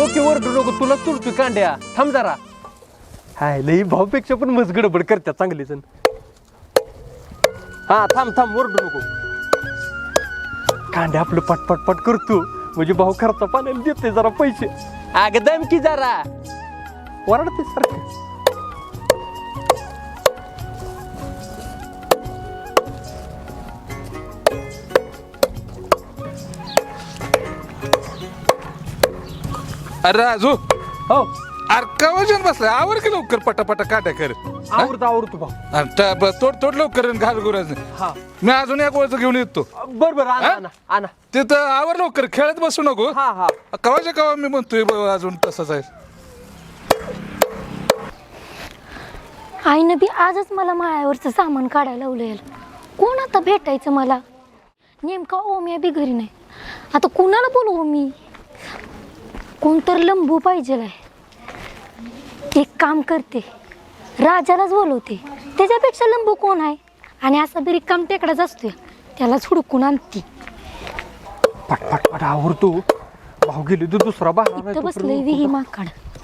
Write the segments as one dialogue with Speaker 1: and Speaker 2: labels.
Speaker 1: की ओरडू नको, तुला तुरतोय कांड्या. थांब जरा. हाय लई भाऊपेक्षा पण मस्त गडबड करत्या चांगली जण. हा थांब थांब, ओरडू नको. कांड्या आपलं पटपट पट करतो म्हणजे भाऊ खर्चा पाण्याला देते जरा पैसे. अगं दम की जरा, ओरडते सारखं.
Speaker 2: अरे राजू,
Speaker 1: हो
Speaker 2: अरे का वजन बसलाय? आवर की लवकर पटापटा काट्या कर.
Speaker 1: आवडतो भाऊ.
Speaker 2: तोड लवकर घाल गुराज.
Speaker 1: हा
Speaker 2: मी अजून एक वळचं घेऊन येतो.
Speaker 1: बर आणा आणा आणा.
Speaker 2: तिथं आवर लवकर, खेळत बसू नको.
Speaker 1: हा हा
Speaker 2: कवाच्या कवा मी म्हणतोय अजून तसंच आहे.
Speaker 3: आईनं बी आजच मला माळ्यावरचं सामान काढायला लावलं. कोण आता भेटायचं मला? नेमका ओम्या बी घरी नाही. आता कुणाला बोलवू मी? कोणतर लंबू पाहिजे आहे. एक काम करते, राजालाच बोलवते. त्याच्यापेक्षा लंबू कोण आहे? आणि असा बी रिकाम टेकडाच असतोय, त्यालाच हुडकून आणते.
Speaker 1: पट पट पट आवडतो. भाऊ गेली तू दुसरा बाहेर
Speaker 3: इथं बसलंय विही माकड.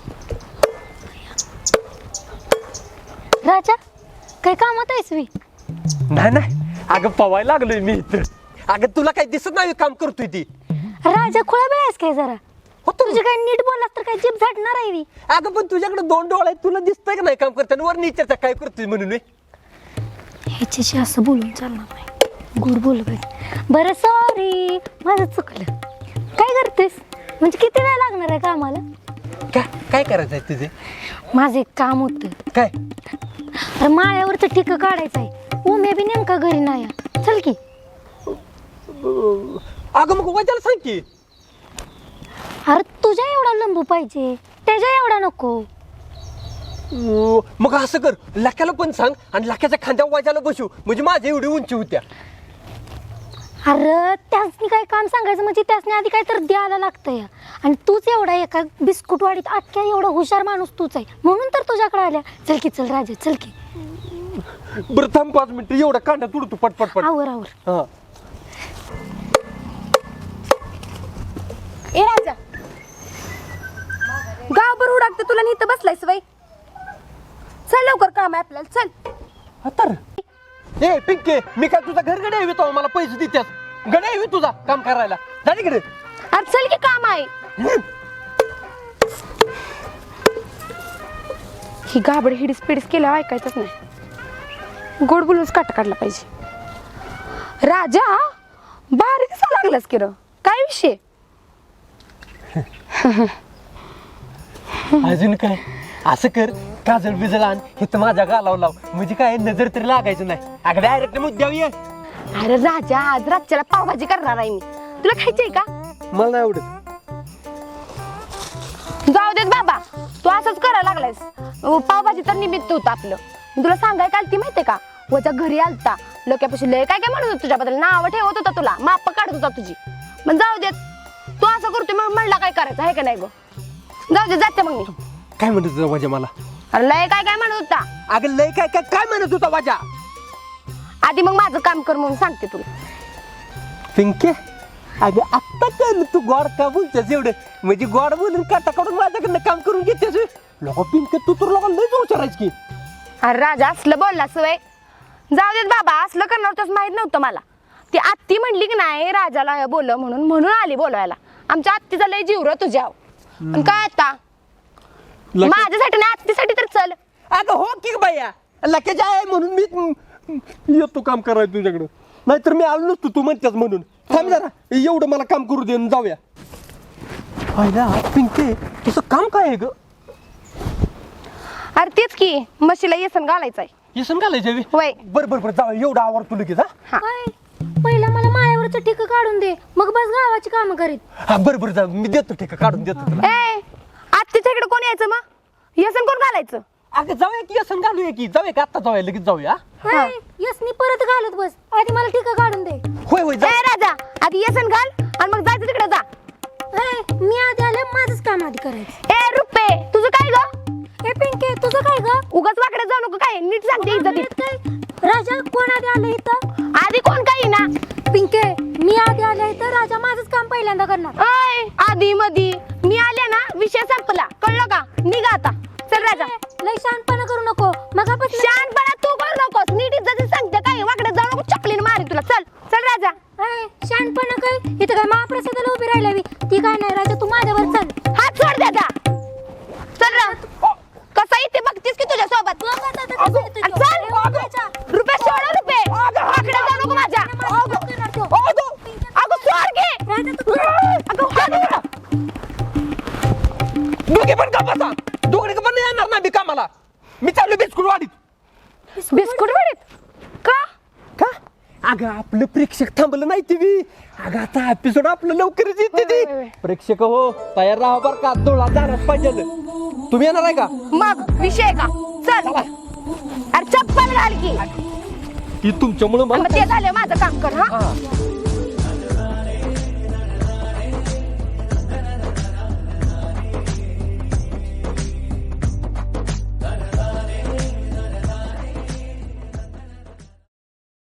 Speaker 3: राजा काय कामात आहेस वी?
Speaker 1: नाही नाही, अगं पवायला लागलोय मी इथं. अगं तुला काही दिसत नाही काम करतोय ती.
Speaker 3: राजा खुळा बेळास काय जरा? तुझे काय नीट बोललास तर काय जीभ झाडणार आहे वी?
Speaker 1: अगं पण तुझ्याकडे 2 डोळे आहेत, तुला दिसतंय का नाही काम करताना? वर नीचरचा काय करतोय म्हणून मी.
Speaker 3: ह्याच्याशी असं बोलून चालणार नाही, गोड बोल पाहिजे. बरं सॉरी, माझं चुकलं. काय करतेस? म्हणजे किती वेळ लागणार आहे कामाला?
Speaker 1: काय करायचंय तुझे?
Speaker 3: माझं एक काम होतं.
Speaker 1: काय?
Speaker 3: अरे माळ्यावरचं ठिकं काढायचं आहे. उम्या बी नेमका घरी नाही. चल की.
Speaker 1: अगं मग वाजायला सांग की.
Speaker 3: अरे तुझ्या एवढा लंबू पाहिजे, त्याच्या एवढा नको.
Speaker 1: मग असं कर, लाक्याला पण सांग आणि लाक्याच्या खांद्यावर वाजायला बसू, म्हणजे माझ्या एवढी उंची होत्या.
Speaker 3: अरे त्यासनी काय काम सांगायचं म्हणजे त्यासनी आधी काय तर द्यायला लागतंय. आणि तूच एवढा एका बिस्कुटवाडीत अख्ख्या एवढा हुशार माणूस तूच आहे, म्हणून तर तुझ्याकडे आल्या. चल की, चल राजा, चल की.
Speaker 1: बरं थांब 5 मिनिटं, एवढा कांड्या तुडतो पटपट पट.
Speaker 3: आवर आवर.
Speaker 1: हा
Speaker 4: ए राजा, गावभर उडाकते तुला इथं बसलायस वय. चल लवकर, काम आहे आपल्याला. चल.
Speaker 1: तर ए पिंके, मी काय तुझा घर गड्या येतो मला पैसे देत्यास? गड्या येवी तुझा काम करायला झाली कडे.
Speaker 4: अरे चल की, काम आहे. ही गाबड हिडीस पिडीस केल्यावर ऐकायचंच नाही. गोड बोलूनच काटा काढला पाहिजे. राजा भारी दिसा लागलास की र. काय विषय?
Speaker 1: अजून काय? असं कर, काजळ बिजळ आण, हे तर माझ्या गालावर लाव, म्हणजे काय नजर तरी लागायचं नाही. अगं डायरेक्ट मुद्द्यावर ये.
Speaker 4: अरे राजा, आज रातच्याला पावभाजी करणार आहे मी. तुला खायची आहे का?
Speaker 1: मला नाही आवडत.
Speaker 4: जाऊ देत बाबा, तू असंच करायला लागलायस. पावभाजी तर निमित्त होतं आपलं. मी तुला सांगाय काल ती माहितीये का? वजा घरी आलता, लोकांपाशी लय काय काय म्हणत होता तुझ्याबद्दल, नावं ठेवत होता तुला, माप काढत होता तुझी. पण जाऊ देत, तू असं करतोय मग म्हणला काय करायचं आहे का नाही गो? जाऊ दे, जाते मग मी.
Speaker 1: काय म्हणत होता वाजा मला?
Speaker 4: अरे लय काय काय म्हणत होता.
Speaker 1: अगं लय काय काय काय म्हणत होता वाजा?
Speaker 4: आधी मग माझं काम कर म्हणून सांगते तुला.
Speaker 1: पिंके, अगं आत्ता कळलं तू गोड का बोलतेस एवढं, म्हणजे गोड बोलून काटा काढून माझ्याकडनं काम करून घेतेस. लोक पिंके तू तर लोकांना लयच विचारायच की.
Speaker 4: अरे राजा, असलं बोलला सवय. जाऊ देत बाबा, असलं करणार होतंच माहित नव्हतं मला. ती आत्ती म्हणली की नाही राजाला बोल म्हणून आली बोलवायला. आमच्या आत्तीचा लय जीव र तुझ्या. पण काय आता माझ्यासाठी नाही, आत्तीसाठी तर चल.
Speaker 1: अगं हो की बाया, लक्याच्या आहे म्हणून मी येतो काम करायला तुझ्याकडं, नाहीतर मी आलो नसतो तू म्हणतेस म्हणून. थांब जरा, एवढं मला काम करू दे, जाऊया. पाहिला पिंके, तुझं काम काय आहे ग?
Speaker 4: अरे तेच की, म्हशीला येसन घालायचंय.
Speaker 1: येसन घालायचं
Speaker 4: होय.
Speaker 1: बरं बरं बरं, जाऊया. एवढं आवडतो लगेच. हा
Speaker 3: काय? पहिला मला माळ्यावरचं ठिकं काढून दे, मग बस गावाची कामं करीत.
Speaker 1: हा बरं बरं, जा, मी देतो ठीक काढून देतो तुला.
Speaker 4: ए आत्तीच्या इकडे कोण यायचं मग? येसन कोण घालायचं?
Speaker 1: अगं जाऊया की, येसन घालूया की, जाऊया की आत्ता जाऊया, लगेच जाऊया.
Speaker 3: यसनी परत घालत बस, आधी मला ठिकं काढून दे.
Speaker 1: होय होय, जा.
Speaker 4: ए राजा, आधी येसन घाल आणि मग जायचं तिकडे जा.
Speaker 3: मी आधी आले, माझंच काम आधी करायचं.
Speaker 4: ए रुपे, तुझं काय ग?
Speaker 3: ए पिंके, तुझं काय ग?
Speaker 4: उगाच वाकडे जाऊ नको, काय नीट सांगते इज्जतीत.
Speaker 3: काय राजा, कोण आधी आलं इथं?
Speaker 4: आधी कोण काही ना.
Speaker 3: पिंके, मी आधी आले इथं. तर राजा माझंच काम पहिल्यांदा करणार.
Speaker 4: अय आधी मधी मी आले ना विषय संपला, कळलं का? निघा आता, चल राजा.
Speaker 3: लय शहाणपणा करू नको. मगापासून
Speaker 4: शहाणपणा तू करू नकोस, नीट इज्जत सांगते काय, वाकडे जाऊ नको, चपलीने मारी तुला. चल चल राजा.
Speaker 3: शहाणपणा काय इथं काय महाप्रसादाला उभी राहिल्यावी ती काय नाही. राजा तू माझ्यावर चल.
Speaker 4: हात सोड दादा. चल रा. कसा इथे बघतीस की तुझ्या सोबत. चल रुपये सोड, रुपये वाकडे जाऊ नको माझ्या. अगं सोड घे. अगं हात.
Speaker 1: दोघे पण का बसा, दोघे पण नाही येणार ना मी कामाला. मी चाललो बिस्कुट वाढीत.
Speaker 4: बिस्कुट वाडीत का?
Speaker 1: का अगं आपलं प्रेक्षक थांबलं नाही टीव्ही. अगं आता एपिसोड आपलं लवकरच येते ती. प्रेक्षक हो तयार राहा बर का, डोळा जाणार पाहिजे. तुम्ही येणार आहे का?
Speaker 4: मग विषय का? चल अरे चप्पल घाल की.
Speaker 1: ती तुमच्यामुळे
Speaker 4: मग
Speaker 1: मला
Speaker 4: ते झालं माझं काम कर. हा
Speaker 1: हा.